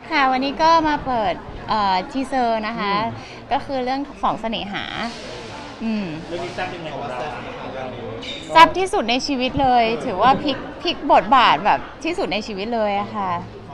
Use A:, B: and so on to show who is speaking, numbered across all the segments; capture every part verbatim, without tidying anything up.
A: ค่ะวันนี้ก็มาเปิดทีเซอร์นะคะก็คือเรื่องสองเสน่หาอืม
B: เรื่องนี้แซ่บยังไงของเรา
A: แซ่บที่สุดในชีวิตเลยถือว่าพลิกพลิกบทบาทแบบที่สุดในชีวิตเลยอะค่ะ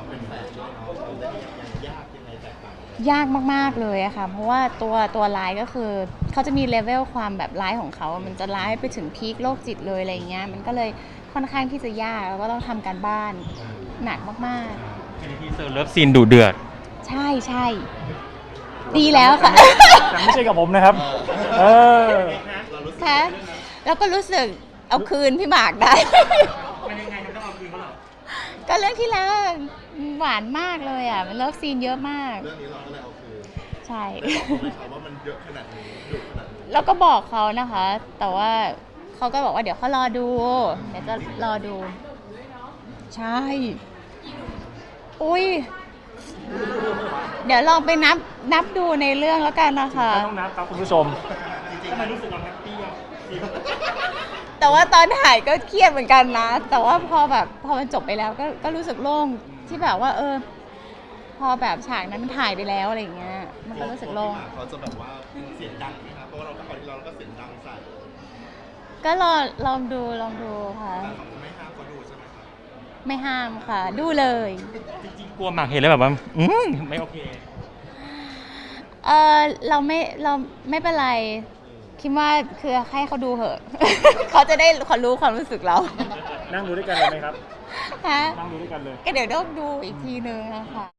A: ยากมากๆเลยอะค่ะเพราะว่าตัวตัวร้ายก็คือเขาจะมีเลเวลความแบบร้ายของเขามันจะร้ายไปถึงพีคโรคจิตเลยอะไรเงี้ยมันก็เลยค่อนข้างที่จะยากแล้วก็ต้องทำการบ้านหนักมากๆ
B: เป็นทีเซอร์เลิฟซีนดุเดือด
A: ใช่ใช่ดีแล้วค่ะ
B: แต่ไม่ใช่กับผมนะครับเออ
A: ค่ะแล้วก็รู้สึกเอาคืนพี่หมากได้
B: มันยังไงมันต้องเอาคืนเขาหรอ
A: ก็เรื่องที่แล้วหวานมากเลยอ่ะมันเลิฟซีนเยอะมาก
C: เรื่องนี้เราก็เลยเอาคืน
A: ใช่
C: เขาว่ามันเยอะขนาดนี้ดุขนาดนี้
A: แล้วก็บอกเขานะคะ แต่ว่าเขาก็บอกว่าเดี๋ยวเขารอดูเดี๋ยวจะรอดูใช่อุ้ยเดี๋ยวลองไปนับนับดูในเรื่องแล้วกันนะคะ
B: ไม่ต้องนับครับคุณผู้ชมทำไมรู้สึกเราแฮปปี้อ่ะ
A: แต่ว่าตอนถ่ายก็เครียดเหมือนกันนะแต่ว่าพอแบบพอมันจบไปแล้วก็ก็รู้สึกโล่งที่แบบว่าเออพอแบบฉากนั้นมันถ่ายไปแล้วอะไรอย่างเงี้ยมันก็รู้สึกโล่ง
C: เขาจะแบบว่าเสียงดังไหมครับเพราะว่าเราก็คราวที่เราก็เสียงดังใส่
A: ก็ลองลองดูลองดูค่ะ
C: ไม่ห้ามเขาดูใช่ไหมครับ
A: ไม่ห้ามค่ะดูเลย
B: จริงๆกลัวหมากเห็นแล้วแบบว่าอืมไม่โอเค
A: เออเราไม่เราไม่เป็นไรคิดว่าคือให้เขาดูเหอะ เขาจะได้เขารู้ความรู้สึกเรา
B: นั่งดูด้วยกันเลยไหมครับ
A: ฮะ
B: นั่งดูด้วยกันเลย
A: ก็เดี๋ยวต้องดูอีกทีนึงนะคะ